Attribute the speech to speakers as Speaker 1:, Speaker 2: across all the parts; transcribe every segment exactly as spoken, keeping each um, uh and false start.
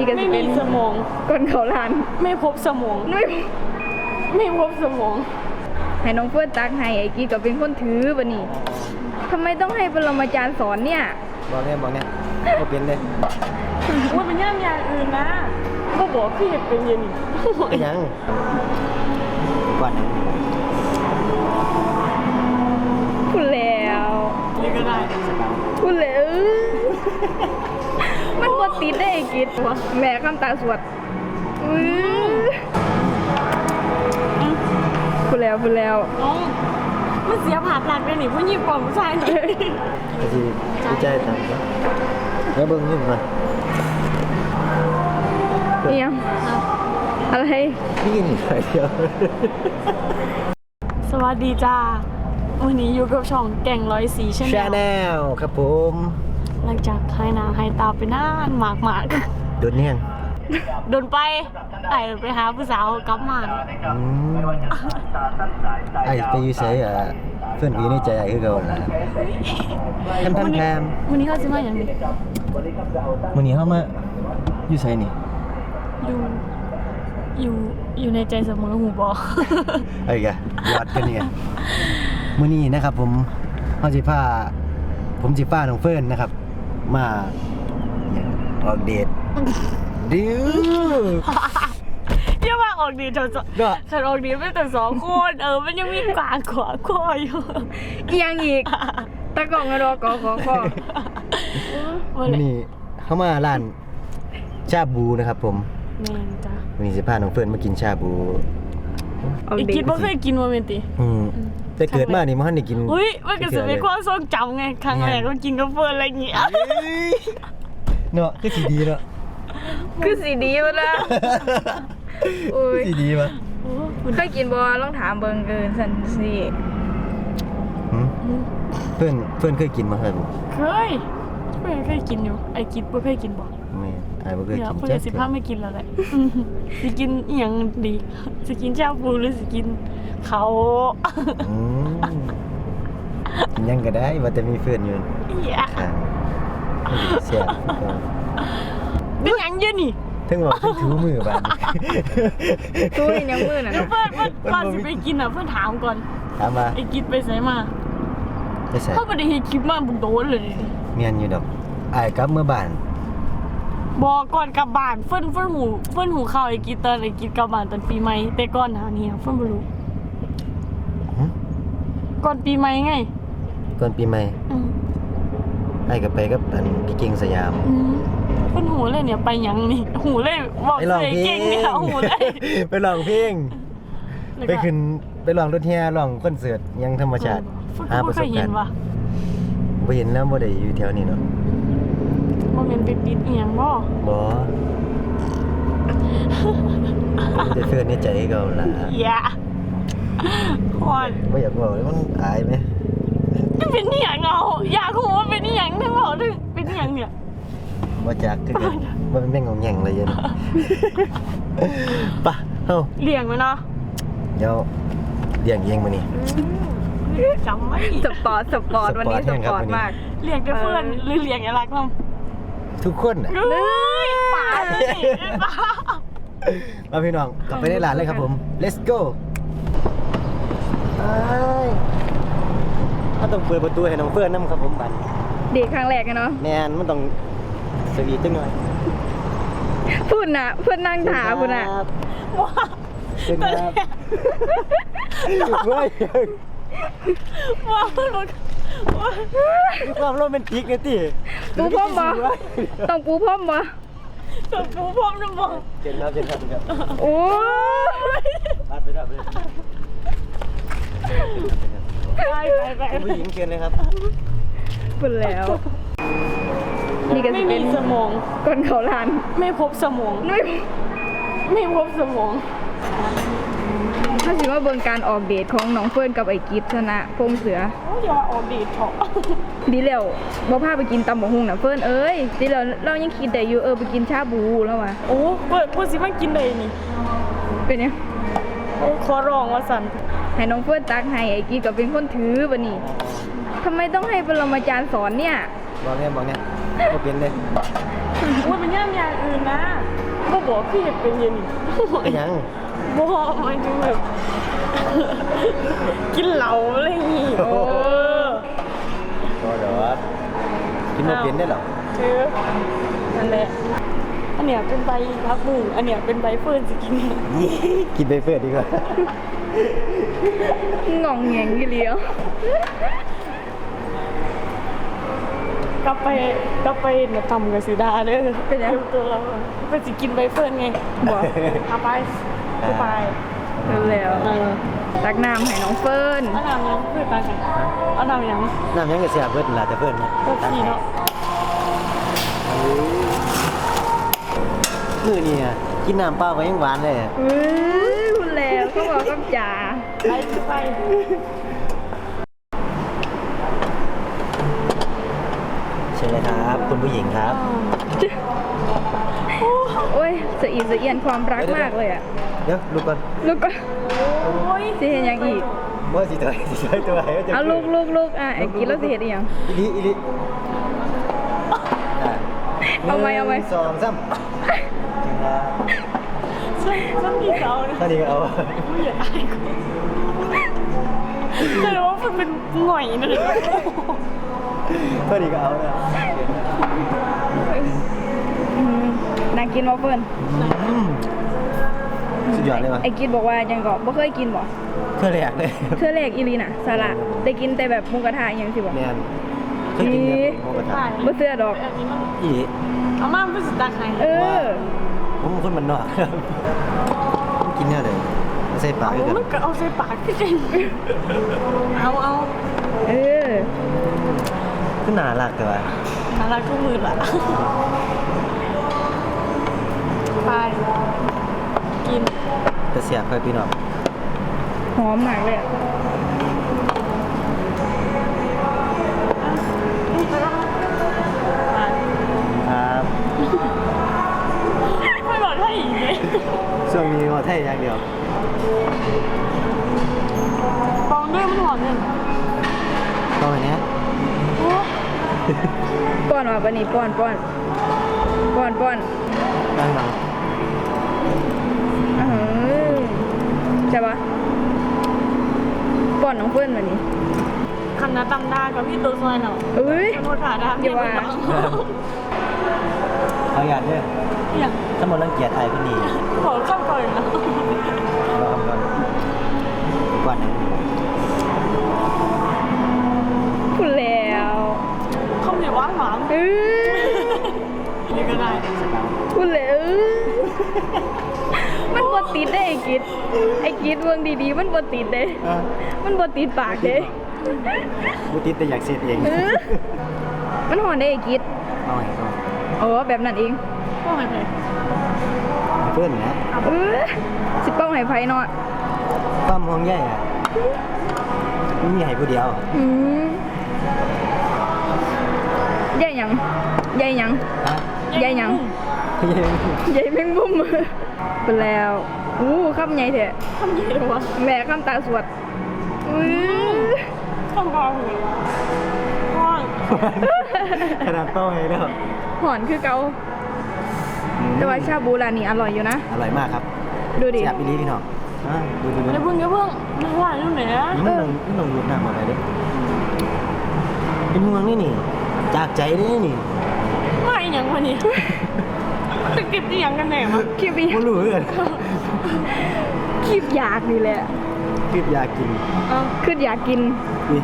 Speaker 1: ก็จะเป็นสมองก้นเขาลานไม่พบสมองไม่ไม่พบสมองให้น้องเฟิร์นตักให้ไอ้กี้ก็เป็นคนถือบัดนี้ทำไมต้องให้ปรมาจารย์สอนเนี่ย
Speaker 2: บอกเนี่ยบอกเนี่ยก็เป็นเลย
Speaker 1: ว่าเป็นย่ามอย่างอื่นนะก็บอกพี่เป็นยังนี่
Speaker 2: ก็ยังก่อน
Speaker 1: พูดแล้วนี่ก็ได้พูดแล้วมันบดติดได้ไอ้กิดแม่คำตาสวดพูดแล้วพูดแล้วมันเสียผ่าหลักเลยนี่ผู้หญิงกว่าผู้ชายนี่
Speaker 2: ดีดีใจจังแล้วเบิ้งนี่มา
Speaker 1: เอียงอะไร
Speaker 2: นี่นี่ใครเดียว
Speaker 1: สวัสดีจ้าวันนี้อยู่กับช่องแก่งร้อยสีชา
Speaker 2: แนลครับผม
Speaker 1: หลังจากให้นาให้ตาไปนานหมากหมาก
Speaker 2: โดนเนี่ย
Speaker 1: โดนไปไอ้ไปหาผู้สาวกลับมา
Speaker 2: ไอ้ไปอยู่ใส่อ่ะเพื่อนพี่ในใจไอ้คือเก่าล่ะแทมแทมแทม
Speaker 1: วันนี้เขาจะมาอย่างนี้
Speaker 2: วันนี้เขามาอยู่ใส่นี่
Speaker 1: อยู่อยู่อยู่ในใจเสมอหูบอ
Speaker 2: ไอ้แกยอดกันเนี่ยมื้อนี้นะครับผมเฮาสิพาผมสิพาน้องเฟิร์นนะครับมาออกเดทดิว
Speaker 1: เรียกว่าออกดีเถอะฉันออกดีไม่แต่สองคนเออมันยังมีกวางขวาคออยู่ยังอีกตะกล่องกระโดดกอขอคอ
Speaker 2: นี่เข้ามาร้านชาบูนะครับผม
Speaker 1: แม่นจ้ะ
Speaker 2: วันนี้สิพาน้องเฟิร์นมากินชาบู
Speaker 1: อีกคิดว่าเคยกินโมเมนติ
Speaker 2: อืมแต่เกิดมานี่มันได้กิน
Speaker 1: เฮ้ยมันก็สิเป็นความทรงจำไงครั้งแรกก็กินกับเฟิร์นอะไรอย่างเงี้ย
Speaker 2: เนาะคือสีดีเนาะ
Speaker 1: คือสีดีวะนะ
Speaker 2: โอ้ยสีดีวะ
Speaker 1: เคยกินบ่ลองถามเบิ่งเกินสันสิ
Speaker 2: เพื่อนเพื่อนเคยกินมาครับ
Speaker 1: เคยเพื่อนเคยกินอยู่ไอ้กินบ่เคยกินบ่
Speaker 2: ไม่ไอ้บ่เคยกิน
Speaker 1: เพื่อนสิพาไม่กินแล้วแหละสิกินอีหยังดีสิกินชาบูหรือสิกินเขา
Speaker 2: ยังก็ได้ว่าแต่มีเพื่อนอยู่
Speaker 1: ค่ะ
Speaker 2: เสีย
Speaker 1: เป็นหยังเยอะนี่
Speaker 2: ถึงบอกถึงถือมือบ้าน
Speaker 1: ตู้ยังมือน่ะเพื่อนเพื่อนก่อนสิไปกินอ่ะเพื่อนถามก่อน
Speaker 2: ถามมา
Speaker 1: ไอ้กินไปใส่มา
Speaker 2: ไปใส่
Speaker 1: เขาไม่ได้เห็นคลิปมาบุญโดนเลย
Speaker 2: เมียนอยู่ดอกไอ้กลับเมื่อบ้าน
Speaker 1: บอกก่อนกลับบ้านเฟิ่นเฟิ่นหูเฟิ่นหูข้าวไอ้กินตอนไอ้กินกลับบ้านตอนปีใหม่แต่ก่อนหานี่เฟิ่นไม่รู้ก่อนปีใหม่ไง
Speaker 2: ก่อนปีใหม่ไอ้กับไปกับอันพี่เก่งสยาม
Speaker 1: เฟิ่นหูเลยเนี่ยไปยังนี่หูเลยบอกเลยเก่งเนี่ยหูเลย
Speaker 2: ไปลองเพลงไปขึ้นไปลองรถแห่ลองคอนเสิร์ตยังธรรมชาติ
Speaker 1: หาประสบการณ์
Speaker 2: บ่เห็นแล้วบ่ได้อยู่แถวนี้เนาะ
Speaker 1: บ่แม่นไปติดอีหยังบ่
Speaker 2: บ่จะเฟิร์นในใจเก่าล่ะ
Speaker 1: อย่าฮอด
Speaker 2: บ่อยากบอกเลยมันอายมั้ย
Speaker 1: มันเป็นอีหยังเอาอยากรู้ว่าเป็นอีหยังถึงบอกถึงเป็นอีหยังเนี่ย
Speaker 2: บ่จักคือกันบ่เป็นแม่งงงแหงเลยยันป่ะเฮา
Speaker 1: เลี้ยงมั้ยเนาะ
Speaker 2: เดี๋ยวเลี้ยงเองมื้อนี้
Speaker 1: จำไว้สปอร์ตสปอร์ตวันนี้สปอร์ตมากเลี้ยงแต่เพื่อนหรือเลี้ยงอะไรก็
Speaker 2: ทุกคนน่ะ
Speaker 1: เฮ้ยป่าสิ
Speaker 2: มาพี่น้องกลับไปในร้านเลยครับผม let's go ถ้าต้องเปิดประตูให้น้องเฟิร์นนำครับผมบัด
Speaker 1: เด็กครั้งแรกเนาะ
Speaker 2: แม่นมันต้องสวีทจังหน่อย
Speaker 1: พูดน่ะเพื่อนนั่งถาพูดน่ะว้า
Speaker 2: เป็นครับเว้ย
Speaker 1: ว้าว
Speaker 2: มีความโรแมนติกไงติ
Speaker 1: ปูพรมบ่ต้องปูพรมบ่ต้องปูพรมนะบ่
Speaker 2: เจนครับเจนครับครับ
Speaker 1: โอ้
Speaker 2: ยรับไปรับเลย
Speaker 1: ไปไปไป
Speaker 2: ผู้หญิงเชิญเลยครับ
Speaker 1: พูดแล้วนี่ก็จะเป็นสมองก้นเขาลานไม่พบสมองไม่ไม่พบสมองถ้าสิว่าเบิ่งการออกเดทของน้องเฟิร์นกับไอ้กิฟชนะพงเสือโอ้ยว่าออกเดทเถอะดีแล้วบ่พาไปกินตำบักหุ่งน่ะเฟิร์นเอ้ยดีแล้วเรายังคิดได้อยู่เออไปกินชาบูแล้วว่ะโอ้เปิดพูดสิมันกินได้นี่เป็นยังโอ้ขอร้องว่าสั่นให้น้องเฟิร์นตักให้ไอ้กิฟก็เป็นคนถือบัดนี้ทำไมต้องให้ปรมาจารย์สอนเนี่ย
Speaker 2: บอกเนี่ยบอกเนี่ยก็เป็นเลย
Speaker 1: ว่าเป็นย่ามอย่างอื่นนะบอกพี่เห็นเป็นอยังนี่
Speaker 2: เป็นหยัง
Speaker 1: บอกหมายถึงแบบ กินเหล้าอะไรอย่างงี้โอ้
Speaker 2: ก็เดี๋ยวกินมาเป็นได้หรอ
Speaker 1: เออนั่นแหละอันเนี้ยเป็นใบพักบุ้งอันเนี้ยเป็นใบเฟิร์นสกิน
Speaker 2: กินไปเพื่อดีกว่า
Speaker 1: งองแงงกี่เลี้ยวกลับไปกลับไปเนี่ยทำกับสีดาเด้อเป็นยังตัวเราเป็นสิกินใบเฟิร์นไงบอกเอาไปเอาไปแล้วตักน้ำให้น้องเฟิร์นเอาน้ำยังเพื่อนตักกันเอาน้ำยัง
Speaker 2: น้ำยังก็เสียเพื่อนล่ะแต่เพื่อนนะ
Speaker 1: ก็ทีเนาะ
Speaker 2: มือนี่กินน้ำเปล่าก็ยังหวานเลย
Speaker 1: เฮ้ยคุณแล้วเขาบอกกับจ๋าไปไป
Speaker 2: เชิญเลยครับคุณผู้หญิงครับ
Speaker 1: โอ้ยสะอีสะเอียนความรักมากเลยอ่ะ
Speaker 2: เดี๋ยวลูกก่อน
Speaker 1: ลูกก็โอ้ยสิเห็นยังอีก
Speaker 2: บ่สิถอยสิถอยตัวให้
Speaker 1: เอาลูกลูกลูกอ่ะไอ้กินแล้วสิเห็นอีกยัง
Speaker 2: อีลิอีลิอ่ะ
Speaker 1: เอาไหมเอาไหม
Speaker 2: นึ่งสองสาม
Speaker 1: ฉันฉันมีเขา
Speaker 2: ตอนนี้ก็เอา
Speaker 1: ไม่อยากอายกูแต่ว่ามันเป็นหน่อยนะเลย
Speaker 2: ตอนนี้ก็เอาแล้ว
Speaker 1: น่ากินวะเฟิร์น
Speaker 2: สุดยอดเลยวะ
Speaker 1: ไอ้กินบอกว่ายังก็บ่เคยกินบ่
Speaker 2: เพื่อแรกเลย
Speaker 1: เทื่อแรกอีหลีน่ะสาระได้กินแต่แบบหมูกระทะอหยังสิบ่
Speaker 2: แมนเคยกินแบบหมูกระทะ
Speaker 1: บ่เชื่อดอก
Speaker 2: อีลิ
Speaker 1: เอามาเป็นสตักให้เออ
Speaker 2: ผมเป็นคนมันนอกครับผมกินเนี่ยเลยไม่ใส่ปาก
Speaker 1: เอา
Speaker 2: กัน
Speaker 1: มันก็เอาใส่ปากคือจังเอาเอาเออ
Speaker 2: ขึ้นหนาหลักแต่ว่า
Speaker 1: น่ารักทุกมือละไปกิน
Speaker 2: จะเสียบไปพี่น้อง
Speaker 1: หอมมากเลยอะ
Speaker 2: ครับ
Speaker 1: ไม่บอกให้อีกเลย
Speaker 2: ช่วงนี้ว่าไทยอย่างเดียว
Speaker 1: ฟองด้วยมันหอมเนี่ย
Speaker 2: ตอนนี้
Speaker 1: ป้อนว่ะปะนี่ป้อนป้อนป้อนป้อน
Speaker 2: ตั้งหลัง
Speaker 1: อื้อหือใช่ปะป้อนน้องเพื่อนมานี่คำนาตำดากับพี่ตัวซอยเนาะเอ้ยโมถ่าดาอย่าว่า
Speaker 2: เขาอยากเนี่ย
Speaker 1: อย่าง
Speaker 2: ถ้ามันรังเกียจไทยก็ดี
Speaker 1: ขอข้ามก่อนนะ
Speaker 2: รอก่อนก่อนหนึ่ง
Speaker 1: พูดแล้วข้าวเหนียวหวานหวานเออนี่ก็ได้พูดแล้วมันบดติดได้ไอ้กิดไอ้กิดเมืองดีๆมันบดติดเด้มันบดติดปากเด้
Speaker 2: บุติดแต่อยากเสียเอง
Speaker 1: เออมันหอนได้ไอ้กิด
Speaker 2: เอาไงเอา
Speaker 1: โอ้แบบนั้นเองป้องไห้ไผ่
Speaker 2: เพื่อนนะ
Speaker 1: เออสิป้องไห้ไผ่เนาะ
Speaker 2: ความห่วงใยอ่ะไม่มีให้ผู้เดียว
Speaker 1: อืมใหญ่หยังใหญ่หยัง
Speaker 2: ฮะ
Speaker 1: ใหญ่หยังใหญ่แมงมุมไปแล้วอู้คำใหญ่เถอะคำใหญ่เลยวะแม่คำตาสวดอื้อคำกองห้อง
Speaker 2: ขนาดเป้าไงแล้ว
Speaker 1: หอนคือเกาแต่ว่าชาบูร้านนี้อร่อยอยู่นะ
Speaker 2: อร่อยมากครับ
Speaker 1: ดูดิ
Speaker 2: แซ่บอีหลีพี่น้องอ่ะดูดูดู
Speaker 1: อย่าเพิ่งอย่าเพิ่งมันหวานอยู่ไหนอะ
Speaker 2: นี่มันลงมันลงรูปหน้ามาไปเด้อเป็นห่วงนี่นี่ จากใจนี่นี่
Speaker 1: ไม่ยังวันนี้จะเก็บที่ยังกันแน่มั้งคลิปอีก
Speaker 2: ไม่รู้เลย
Speaker 1: คลิปอยากนี่แหละ
Speaker 2: คืออยากกิน
Speaker 1: เอ้าคืออยากกิน
Speaker 2: นี่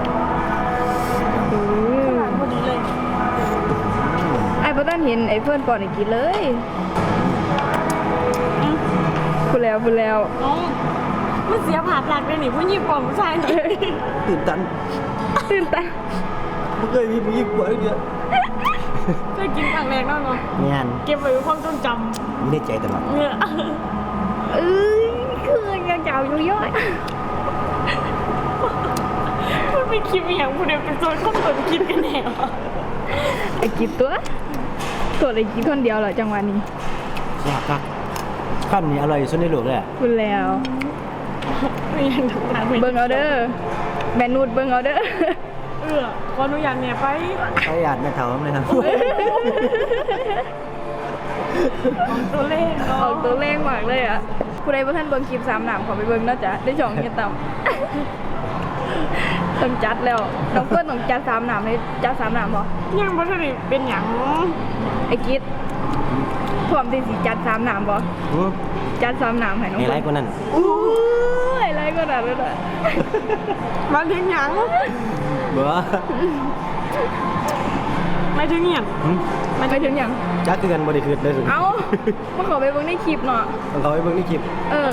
Speaker 1: อือพอดีเลยไอ้พ่อต้นเห็นไอ้เพื่อนก่อนไอ้กินเลยพูดแล้วพูดแล้วมันเสียผ่าตัดไปหนิผู้หญิงก่อนผู้ชายหน่อย
Speaker 2: ตื่นตัน
Speaker 1: ตื่นตา
Speaker 2: ไม่เคยมีผู้หญิงกว่าเยอะ
Speaker 1: เคยกินครั้งแรกนั่นเนาะ
Speaker 2: งาน
Speaker 1: เก็บไว้เป็นความทรงจ
Speaker 2: มีในใจตลอด
Speaker 1: ำเนี่ยเอ้ยคือยังเก่าอยู่ย่อยมันเป็นคลิปอย่างผู้เดียวเป็นโซนข้อมูลคิดกันแน่ไอ้กินตัวตัวไอ้กินคนเดียวเหรอจังหวะนี้
Speaker 2: อยากกักข้ามนี้อร่อยสุดในโลกเลยอะ
Speaker 1: คุณแล้วเบิ่งเอาเด้อแม่นูดเบิ่งเอาเด้อเออขออนุญาตเนี่ยไป
Speaker 2: เขาอยากแม่เถาเลยครับ
Speaker 1: ของโต
Speaker 3: ตัวเลข
Speaker 1: ออกตัวเลขมากเลยอ่ะผู้ใดบ่ท่านเบิ่งคลิปสามหนามขอไปเบิ่งเนาะจ๊ะได้ช่องเฮียต่ำ ต้องจัดแล้วน้องเพื่อนต้องจัดสามหนามเลยจัดสามหนามบ่
Speaker 3: ยังบ่ทันได้เป็นหยัง
Speaker 1: ไอ้กิ๊ดพร้อมที่สิจัดสามหนามบ่
Speaker 2: อืม
Speaker 1: จัดสามหนามให้น้อง
Speaker 2: ไฮไล
Speaker 1: เพื่อน
Speaker 2: ท์กว่านั้น
Speaker 1: อู้ไฮไลท์ก็ได้เลย
Speaker 3: มาถึงหยัง
Speaker 2: เบ้อ
Speaker 3: ไม่ถึงหยัง
Speaker 2: หืม
Speaker 1: มันไปถึงหยัง
Speaker 2: จักคือกันบ่ได้คืนได้สุด
Speaker 1: เอ้ามาขอไปเบิ่งในคลิปเนาะ
Speaker 2: ต้องเขาไปเบิ่งในคลิป
Speaker 1: เออ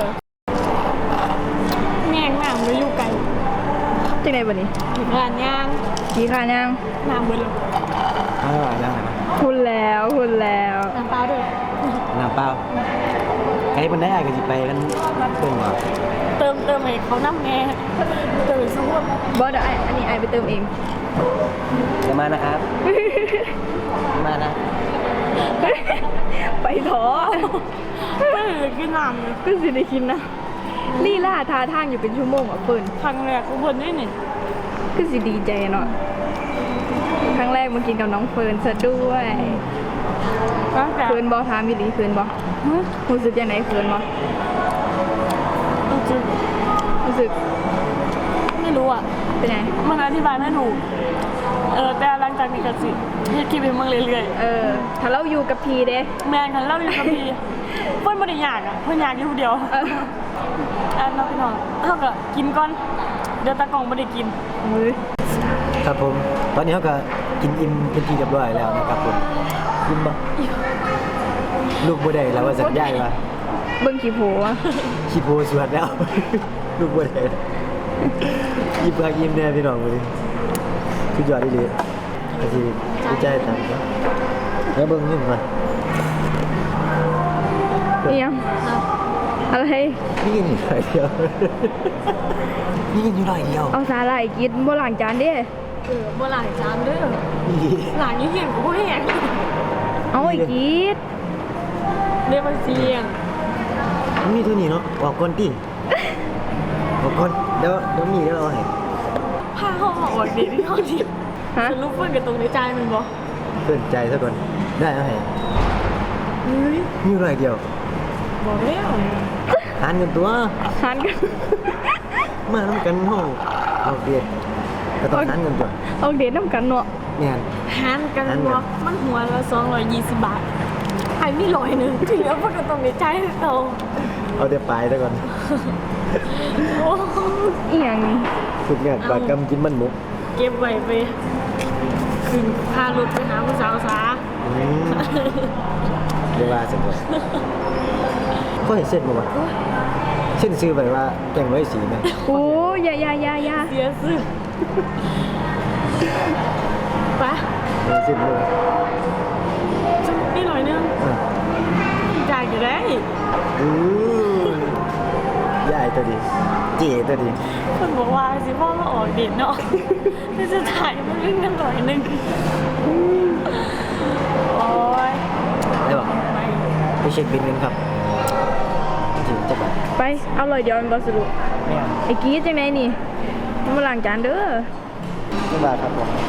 Speaker 3: แง่งน้ำบ่อยู่ไกล
Speaker 1: จังได๋บัดนี้
Speaker 3: ร้านย่าง
Speaker 1: สีขายัง
Speaker 3: น้ำเบิดแล้ว
Speaker 2: อ่าได้
Speaker 1: คุณแล้วคุณแล้ว
Speaker 3: น้ำเปล่าด้วย
Speaker 2: น้ำเปล่าใครเพิ่นได้อ้ายก็สิไปกันเพิ่นว่า
Speaker 3: เติมเติมให้เขาน้ำแน่เติมสู้
Speaker 1: บ่เดี๋ยวไอ้อันนี้ไอ้ไปเติมเอง
Speaker 2: จะมานะครับมานะ
Speaker 1: ไปถอ
Speaker 3: ไม่เหลือกินน้ำเลย
Speaker 1: ก็สิได้กินนะลี่ล่าทาทางอยู่เป็นชั่วโมงอ่ะเพิ่น
Speaker 3: ครั้งแรกกูเพิ่นได้นี่
Speaker 1: ก็สิดีใจเนาะครั้งแรกมากินกับน้องเฟิร์นซะด้วย
Speaker 3: ตั้งแต่
Speaker 1: เฟิร์นบอถามอีหลีเฟิร์นบอรู้สึกยังไงเฟิร์นบอ
Speaker 3: รู้สึก
Speaker 1: รู้สึก
Speaker 3: ไม่รู้อ่ะ
Speaker 1: เป็นไง
Speaker 3: มันอธิบายไม่ถูก เออแต่หลังจากนี้ก็สิเฮ็ดคลิปให้มึงเรื่อย
Speaker 1: เออถ้าเราอยู่กับพีเด้
Speaker 3: ๆแม่งคันเล่าอยู่กับพี่เพิ่นบ่ได้อยากอ่ะเพิ่นอยากอยู่เดียว
Speaker 1: เออ
Speaker 3: อันน้องพี่น้องเฮาก็กินก่อนเดี๋ยวตากล้องบ่ได้กิน
Speaker 1: มือ
Speaker 2: ครับผม ตอนนี้เขาก็กินอิ่มเป็นที่เรียบร้อยแล้วนะครับผมอิ่มบ่ลูกบ่ได้แล้วว่าสัญญาว่า
Speaker 1: เบิ้งขี้โผอะ
Speaker 2: ขี้โพสวดแล้ว ลูกบ่ได้ยิ้มคักยิ้มแน่พี่น้องเลยสุดยอดดีเลยก็สิดีใจตามนะแล้วเบิ่งนี่มา
Speaker 1: เอียงอะไร
Speaker 2: นี่กินอยู่หน่อยเดียว นี่กินอยู่หน่อยเดียว
Speaker 1: เอาสาหร่ายกินบ่ล้างจานเด้
Speaker 3: เออบ่หลายจานเด้อ
Speaker 2: นี่
Speaker 3: หลานยี่เหียนกูบ่แหง
Speaker 1: เอาไอ้กีด
Speaker 3: เด้มาเสียง
Speaker 2: มันมีเท่านี้เนาะออกก่อนติออกก่อนเดี๋ยวเดี๋ยวมีเดี๋ยวเอาให้
Speaker 3: พาเขาออกดีที่เขาดิ
Speaker 1: ฮะ
Speaker 3: ฉันรู้เพิ่นกับตรงในใจมันบ่
Speaker 2: เพิ่นใจซะก่อนได้เอาให้
Speaker 3: เฮ้ย
Speaker 2: มีอยู่หน่อยเดียว
Speaker 3: บอกแล้ว
Speaker 2: ทานกันตัว
Speaker 1: ทานกัน
Speaker 2: มาน้ำกันห้องเอาเดียดก็ต้องทานกันตัว
Speaker 1: เอาเดทน้ำกันเนาะ
Speaker 2: เนี่ย
Speaker 3: หารกัน
Speaker 2: หารกัน
Speaker 3: บ่มันหัวละสองร้อยยี่สิบบาทไอ้มีร้อยหนึงที่เหลือเพิ่นก็ต้องในใจโต
Speaker 2: เอาเดี๋ยวปลายซะก่อน
Speaker 3: โอ้
Speaker 1: อีหยังนี่
Speaker 2: ทุกงานปากกำกินมันหมุก
Speaker 3: เก็บไว้ไปขึ้นพารถไปหาผู้สาวซา
Speaker 2: อืมเดี๋ยวว่าสักก่อนก็เห็นเส้นมาวะเส้นซื้อไปว่าแกงไว้สีไหม
Speaker 1: โอ้ยอยาอยาอยาอยา
Speaker 3: เสียสึไป
Speaker 2: เห็นเส้นเลย
Speaker 3: นี่ร้อยหนึง
Speaker 2: อ่ะ
Speaker 3: จ่ายอยู่ได้
Speaker 2: อู้ยายตัวดีเจ๋ตัวดี
Speaker 3: คนบอกว่าสิพ่อมาออกเดทเนาะที่จะถ่ายมันเรื่องกันหน่อยหนึงโอ้ย
Speaker 2: ได้บอก
Speaker 3: ไป
Speaker 2: ไปเช็คบินกันครับถึงจะแบบ
Speaker 1: ไปเอาเลยเดี๋ยวมันบอสรุป
Speaker 2: เนี่ย
Speaker 1: ไอ้กีดจังไงนี่มันมาล้างจานเด้อ
Speaker 2: ไม่บาทครับผม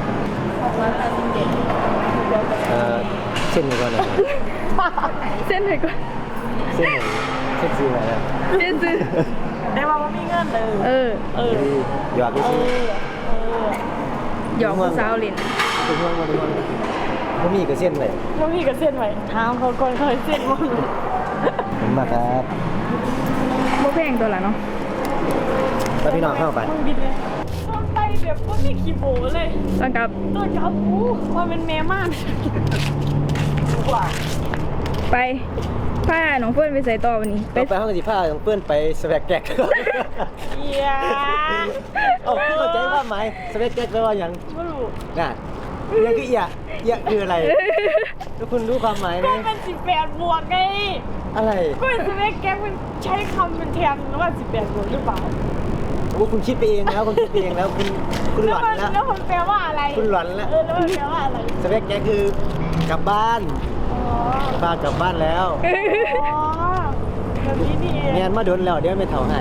Speaker 2: เอ่อเส้นก่อนนะครับ
Speaker 1: เส้นไหนก่อน
Speaker 2: เส้นเส้นซื้อมาแล้ว
Speaker 1: เส้นซื้อ
Speaker 3: ได้ว่าว่ามีเงินเลย
Speaker 1: เออ
Speaker 3: เออ
Speaker 2: หยอดไป
Speaker 3: เอ
Speaker 2: สิ
Speaker 3: อเออ
Speaker 1: หยอกผู้สาวเล่น
Speaker 2: ถึงว่างมาถึงว่างผมมีกับเส้นเลย
Speaker 3: แล้วพี่ก็เส้นไว้ถามเขาก่อนเขาให้เส้นมั้ง
Speaker 2: ผมมาครับ
Speaker 1: บ่แพงตัวละเนาะ
Speaker 2: แล้วพี่น้องเข้าไป
Speaker 3: มึงบิดเลยต้นไปแบบว่ามีขี้โบเลย
Speaker 1: ต้องกลับ
Speaker 3: ต้นกับอู้ว่าเป็นแม่ม่านว่า
Speaker 1: ไปผ้าน้องเฟิร์นไปใส่ต่อวันนี้
Speaker 2: ไปไปห้องสีผ้าของเพื่อนไปสแวกแก๊ก
Speaker 3: เอีย
Speaker 2: เอ้าเข้าใจว่าไหมสแวกแก๊กแปลว่าอย่าง
Speaker 3: ไม่รู้
Speaker 2: น่ะเอียคือเอียเอียคืออะไรทุกคุณรู้ความหมายไหม
Speaker 3: ก็เป็นสิบแปดบวกไง
Speaker 2: อะไร
Speaker 3: ก็เป็นสเปกแก๊กมันใช้คำเป็นแทนว่าสิบแปดบวกหรือเปล่า
Speaker 2: โอ้คุณคิดไปเองแล้วคุณคิดไปเองแล้วคุณคุณห
Speaker 3: แล้ว
Speaker 2: ลอน
Speaker 3: มัน
Speaker 2: แล้ว
Speaker 3: แล้วมันแปลว่าอะไร
Speaker 2: คุณหลอนแล้ว
Speaker 3: เออแล้วมันแปลว่าอะไร
Speaker 2: สแวกแก๊กคือกลับบ้าน
Speaker 3: อ๋อ
Speaker 2: ป้ากลับบ้านแล้ว
Speaker 3: อ๋อแบบนี้นี่เอง
Speaker 2: เนียนมาโดนแล้วเดี๋ยวไม่เท่าให้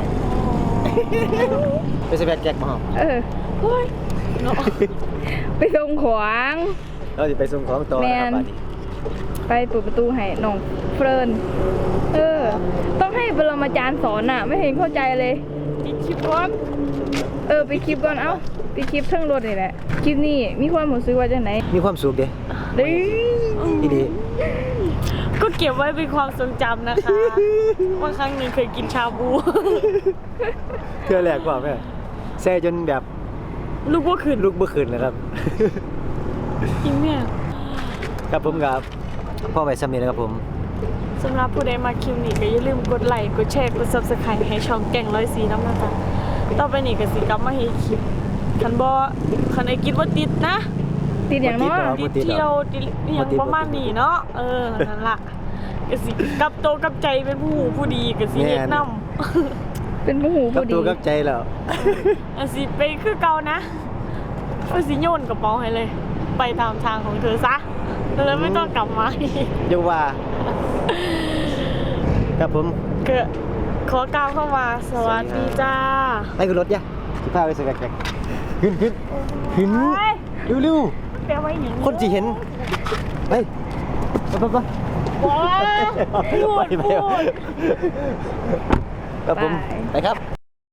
Speaker 2: ไปสแวกแก๊กมาห้อง
Speaker 1: เออ
Speaker 3: เฮ้ยเนาะ
Speaker 1: ไปส่งขวาง
Speaker 2: เราจะไปส่งของต่อนะครับบ้านนี้
Speaker 1: ไปไปเปิดประตูให้น้องเฟิร์นเออ ต้องให้ปรมาจารย์สอนอ่ะ ไม่เห็นเข้าใจเลย
Speaker 3: อีกคลิปก่อน
Speaker 1: เออไปคลิปก่อนเอ้าไปคลิปเทิงรถนี่แหละคลิปนี้มีความรู้สึกว่าจังไหน
Speaker 2: มีความสุขเด้
Speaker 1: เด้ย
Speaker 2: อีดี
Speaker 3: ก็เก็บไว้เป็นความทรงจำนะคะ ว่าครั้งหนึ่งเคยกินชาบู
Speaker 2: เทื่อแรกกว่าแม่แซ่จนแบบ
Speaker 3: ลูกว่าคืน
Speaker 2: ลุกบ่ขึ้นเลยครับ
Speaker 3: จริงเนี่ย
Speaker 2: ครับผมครับพ่อไว้ซ้ำนี้นะครับผม
Speaker 3: สำหรับผู้ใดมาคลิปนี้ก็อย่าลืมกดไลค์กดแชร์กด ซับสไครบ์ ให้ช่องแก่งร้อยสีน้ำนะจ๊ะต่อไปนี้ก็สิกลับมาให้คลิปคันบ่คันไอ้กินว่าติดนะ
Speaker 1: ติดอย่างเน้อ
Speaker 2: บ่ติดหรอ
Speaker 3: ติดเที่ยวติดอหย่างประมาณนี้เนาะเออนั่นล่ะก็สิกลับโตวกลับใจเป็นผู้หูผู้ดีก็สิเฮ็ดนำ
Speaker 1: เป็นผู้หู
Speaker 2: กับ
Speaker 1: ผู้ดี
Speaker 2: ตัวกับใจแล้ว
Speaker 3: อันสิไปคือเก่านะก็สิโยนกระเป๋าให้เลย ไปตามทางของเธอซะแล้วไม่ต้องกลับมาอีก
Speaker 2: เดี๋ยวว่า ครับผม
Speaker 3: ก็ขอกล่าวเข้ามาสวัสดีจ้า
Speaker 2: ไปขึ้นรถย่ะสิพาไปสกัดแกงขึ้นขึ้นขึ้น
Speaker 3: ไป
Speaker 2: เร็ว
Speaker 3: แปลว่าอย่าง
Speaker 2: ๆคนสิเห็นไปไปไปไป
Speaker 3: ว้าวพูด
Speaker 2: ไปไป
Speaker 3: พูด
Speaker 2: ครับผมไปครับ